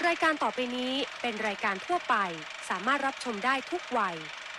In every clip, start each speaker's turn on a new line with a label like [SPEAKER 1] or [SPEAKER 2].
[SPEAKER 1] ายการต่อไปนี้เป็นรายการทั่วไปสามารถรับชมได้ทุกวัย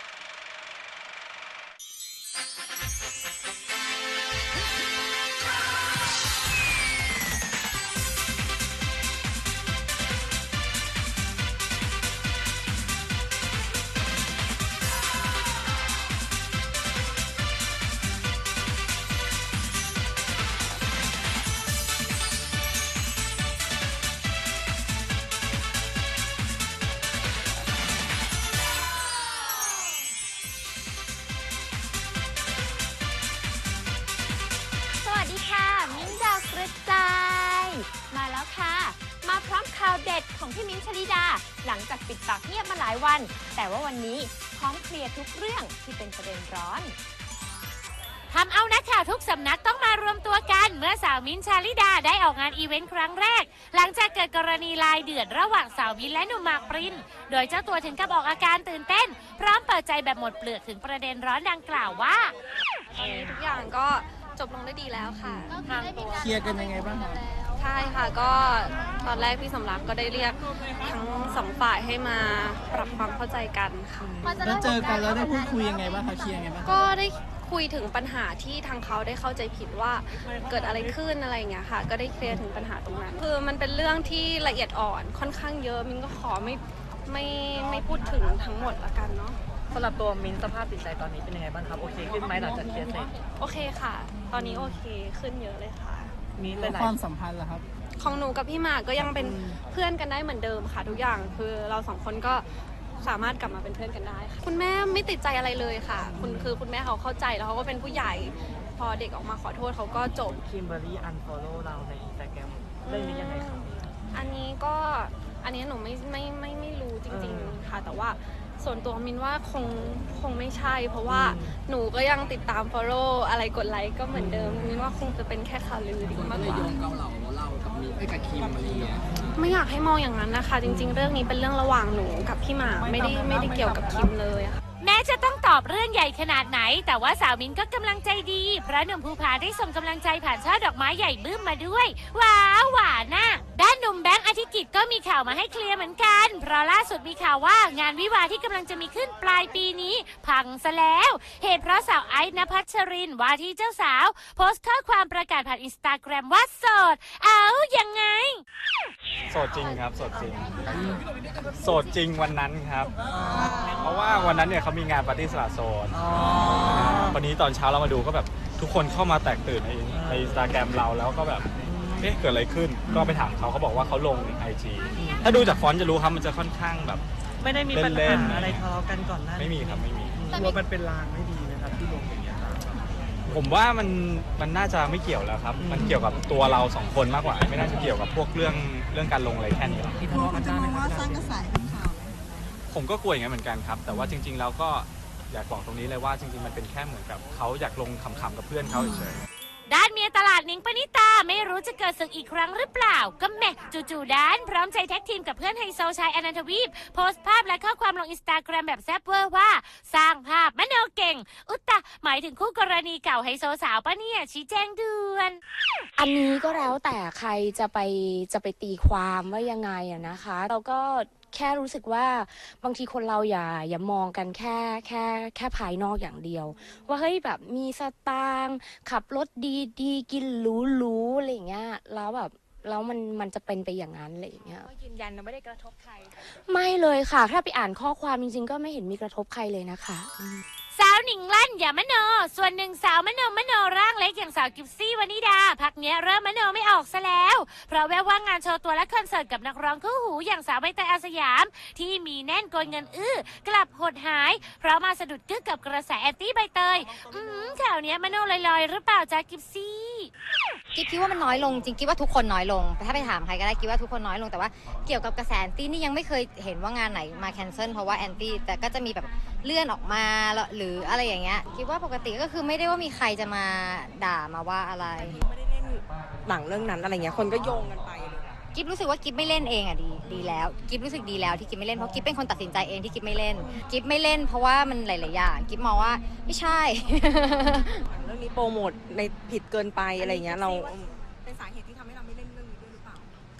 [SPEAKER 2] มิ้นท์ดาวกระจายมาแล้วค่ะมาพร้อมข่าวเด็ดของพี่มิ้นท์ชลิดาหลังจากปิดปากเงียบมาหลายวันแต่ว่าวันนี้พร้อมเคลียร์ทุกเรื่องที่เป็นประเด็นร้อนทำเอานักข่าวทุกสำนักต้องมารวมตัวกันเมื่อสาวมิ้นท์ชลิดาได้ออกงานอีเวนต์ครั้งแรกหลังจากเกิดกรณีลายเดือดระหว่างสาวมิ้นท์และหนุ่มหมากปรินโดยเจ้าตัวถึงกับออกอาการตื่นเต้นพร้อมเปิดใจแบบหมดเปลือกถึงประเด็นร้อนดังกล่าวว่า
[SPEAKER 3] ทุกอย่างก็จบลงได้ดีแล้วค่ะ
[SPEAKER 2] ทางตัว
[SPEAKER 4] เคลียร์กันยังไงบ้างคะ
[SPEAKER 3] ใช่ค่ะก็ตอนแรกพี่สำรักก็ได้เรียกทั้งสองฝ่ายให้มาปรับความเข้าใจกันค่ะ
[SPEAKER 4] แล้วเจอกันแล้วได้พูดคุยยังไงบ้างคะเคลียร์ยังไงบ้าง
[SPEAKER 3] ก็ได้คุยถึงปัญหาที่ทางเขาได้เข้าใจผิดว่าเกิดอะไรขึ้นอะไรอย่างเงี้ยค่ะก็ได้เคลียร์ถึงปัญหาตรงนั้นคือมันเป็นเรื่องที่ละเอียดอ่อนค่อนข้างเยอะมินก็ขอไม่พูดถึงทั้งหมดละกันเนาะ
[SPEAKER 5] สำหรับตัวมิ้นสภาพจิตใจตอนนี้เป็นยังไงบ้างครับโอเคขึ้นไหมหลังจากเคลียร์เสร็จ
[SPEAKER 3] โอเคค่ะตอนนี้โอเคขึ้นเยอะเลยค่ะ
[SPEAKER 5] มีหลาย
[SPEAKER 4] ความสัมพันธ์ล่ะครับ
[SPEAKER 3] ของหนูกับพี่หมากก็ยังเป็นเพื่อนกันได้เหมือนเดิมค่ะทุกอย่างคือเราสองคนก็สามารถกลับมาเป็นเพื่อนกันได้ค่ะคุณแม่ไม่ติดใจอะไรเลยค่ะคุณแม่เขาเข้าใจแล้วเขาก็เป็นผู้ใหญ่พอเด็กออกมาขอโทษเขาก็จบ
[SPEAKER 5] คิมเบอร์รี่อันฟอลโล่เราใน Instagram เรื่องนี้ยังไงครับ
[SPEAKER 3] อันนี้หนูไม่รู้จริงๆค่ะแต่ว่าส่วนตัวมินว่าคงไม่ใช่เพราะว่าหนูก็ยังติดตาม follow อะไรกดไลค์ก็เหมือนเดิมมินว่าคงจะเป็นแค่ข่าวลือดีมากกว่า
[SPEAKER 4] เรากับมีกับคิมอะไรเงี้ย
[SPEAKER 3] ไม่อยากให้มองอย่างนั้นนะคะจริงๆเรื่องนี้เป็นเรื่องระหว่างหนูกับพี่หมากไม่ได้เกี่ยวกับคิมเลยค่ะ
[SPEAKER 1] แม้จะต้องตอบเรื่องใหญ่ขนาดไหนแต่ว่าสาวมิ้นก็กำลังใจดีเพราะหนุ่มภูผาได้ส่งกำลังใจผ่านช่อดอกไม้ใหญ่บึ้มมาด้วยว้าวหวานน่ะด้านหนุ่มแบงค์อธิกิจก็มีข่าวมาให้เคลียร์เหมือนกันเพราะล่าสุดมีข่าวว่างานวิวาห์ที่กำลังจะมีขึ้นปลายปีนี้พังซะแล้วเหตุเพราะสาวไอซ์ณภัชรินว่าที่เจ้าสาวโพสต์ข้อความประกาศผ่าน Instagram ว่าโสดยังไง
[SPEAKER 6] โสดจริงครับโสดจริงโสดจริงวันนั้นครับเพราะว่าวันนั้นเนี่ยเขามีงานปาร์ตี้สละโสดวันนี้ตอนเช้าเรามาดูก็แบบทุกคนเข้ามาแตกตื่นใน Instagram เราแล้วก็แบบเอ๊ะเกิดอะไรขึ้นก็ไปถามเขาบอกว่าเขาลง IG ถ้าดูจากฟอนต์จะรู้ครับมันจะค่อนข้างแบบ
[SPEAKER 5] ไม่ได้มีปัญหาอะไรทะเลาะกันก่อนหน้า
[SPEAKER 6] ไม่มีครับไม่มี
[SPEAKER 4] ว่ามันเป็นลางไม่ดีนะครับที่ลงอย่างเงี้ย
[SPEAKER 6] ผมว่ามันน่าจะไม่เกี่ยวแล้วครับมันเกี่ยวกับตัวเราสองคนมากกว่าไม่น่าจะเกี่ยวกับพวกเรื่องการลงอะไรแค่นี้
[SPEAKER 4] ที่ทะเลาะกันได้ไหมว่าสร้างกระแสข่าว
[SPEAKER 6] ผมก็กลัวอย่างนั้นเหมือนกันครับแต่ว่าจริงๆแล้วก็อยากบอกตรงนี้เลยว่าจริงๆมันเป็นแค่เหมือนกับเขาอยากลงขำๆกับเพื่อนเขาเฉย
[SPEAKER 1] ด้านเมียตลาดนิ้งปณิตาไม่รู้จะเกิดศึกอีกครั้งหรือเปล่าก็แม่จู่ๆด้านพร้อมใจแท็กทีมกับเพื่อนไฮโซชายอนันทวีปโพสต์ภาพและข้อความลง Instagram แบบแซ่บเวอร์ว่าสร้างภาพมโนเก่งอุตตะหมายถึงคู่กรณีเก่าไฮโซสาวปะเนี่ยชี้แจงด่วน
[SPEAKER 2] อันนี้ก็แล้วแต่ใครจะไปตีความว่ายังไงอะนะคะเราก็แค่รู้สึกว่าบางทีคนเราอย่ามองกันแค่ภายนอกอย่างเดียวว่าเฮ้ยแบบมีสตางค์ขับรถดีกินหรูอะไรอย่างเงี้ยแล้วแบบแล้วมันจะเป็นไปอย่างนั้นอะไรอย่างเงี้ย
[SPEAKER 1] ยืนยันนะไม่ได้กระทบใคร
[SPEAKER 2] ไม่เลยค่ะถ้าไปอ่านข้อความจริงๆก็ไม่เห็นมีกระทบใครเลยนะคะ
[SPEAKER 1] สาวหนิงลั่นอย่ามโนส่วนหนึ่งสาวมโนร่างเล็กอย่างสาวกิฟซี่วนิดาพักเนี้ยเริ่มมโนไม่ออกซะแล้วเพราะแววว่างานโชว์ตัวและคอนเสิร์ตกับนักร้องคู่หูอย่างสาวใบเตยอาสยามที่มีแน่นโกยเงินกลับหดหายเพราะมาสะดุดกึกกับกระแสแอนตี้ใบเตยข่าวเนี้ยมโนลอยๆหรือเปล่าจ๊ะกิฟซี่
[SPEAKER 7] กิ๊บคิดว่ามันน้อยลงจริงกิ๊บว่าทุกคนน้อยลงถ้าไปถามใครก็ได้กิ๊บว่าทุกคนน้อยลงแต่ว่าเกี่ยวกับกระแสแอนตี้นี่ยังไม่เคยเห็นว่างานไหนมาแคนเซิลเพราะว่าแอนตี้แต่ก็จะมีแบบเลื่อนออกมาหรืออะไรอย่างเงี้ยคิดว่าปกติก็คือไม่ได้ว่ามีใครจะมาด่ามาว่าอะไร
[SPEAKER 8] ไม่ได้เล่นหนังเรื่องนั้นอะไรเงี้ยคนก็โยงกันไป
[SPEAKER 7] กิ๊บรู้สึกว่ากิ๊บไม่เล่นเองอ่ะดีแล้วกิ๊บรู้สึกดีแล้วที่กิ๊บไม่เล่นเพราะกิ๊บเป็นคนตัดสินใจเองที่กิ๊บไม่เล่นกิ๊บไม่เล่นเพราะว่ามันหลายๆอย่างกิ๊บมองว่าไม่ใช่
[SPEAKER 8] เรื่องนี้โปรโมทในผิดเกินไปอะไรเงี้ยเราเป็นสาเหตุที่ทำให้เราไม่เล่นเรื่องนี้ด้วยหรือเปล่ากับการโปร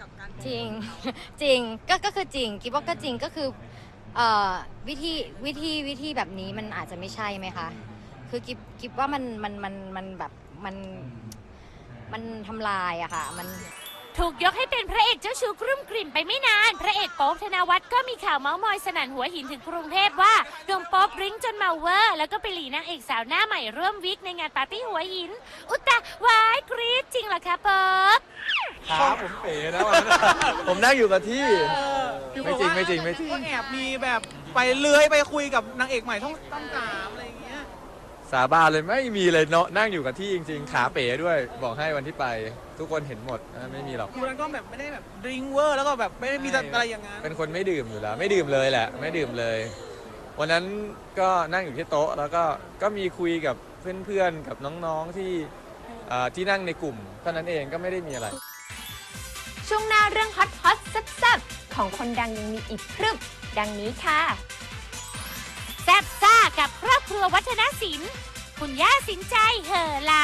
[SPEAKER 7] จริง จริงก็คือจริงคิดว่าก็จริงก็คือวิธีแบบนี้มันอาจจะไม่ใช่ไหมคะคือกิบว่ามันแบบมันทำลายอะค่ะมัน
[SPEAKER 1] ถูกยกให้เป็นพระเอกเจ้าชู้กรุ่มกริ่มไปไม่นาน พระเอกโป๊ปธนวัฒน์ก็มีข่าวเมาส์มอยสนั่นหัวหินถึงกรุงเทพว่าหนุ่มโป๊ปดริ้งจนเมาเวอร์แล้วก็ไปหลีนางเอกสาวหน้าใหม่ร่วมวิกในงานปาร์ตี้หัวหิน อุตตะวายกรี๊ดจริงเหรอคะโป๊ป
[SPEAKER 6] ครับผมเป๋นะวันนั้นผมนั่งอยู่กับที่ไม่จริง
[SPEAKER 9] ก็แอบมีแบบไปเลื้อยไปคุยกับนางเอกใหม่ต้องสามอะไรอย่างเงี้ย
[SPEAKER 6] สาบานเลยไม่มีเลยเนาะนั่งอยู่กับที่จริงๆขาเป๋ด้วยบอกให้วันที่ไปทุกคนเห็นหมดไม่มีหรอก
[SPEAKER 9] ดูนั้นก็แบบไม่ได้แบบดริงเวอร์แล้วก็แบบไม่ได้มีอะไรอย่างนั้น
[SPEAKER 6] เป็นคนไม่ดื่มอยู่แล้วไม่ดื่มเลยแหละไม่ดื่มเลย วันนั้นก็นั่งอยู่ที่โต๊ะแล้วก็มีคุยกับเพื่อนๆกับน้องๆที่นั่งในกลุ่มเท่านั้นเองก็ไม่ได้มีอะไร
[SPEAKER 2] ช่วงหน้าเรื่องฮอตแซ่บๆของคนดังยังมีอีกพรึบดังนี้ค่ะ
[SPEAKER 1] แซ่บซ่ากับครอบครัววัฒนศิลป์คุณย่าสินใจเหอหลา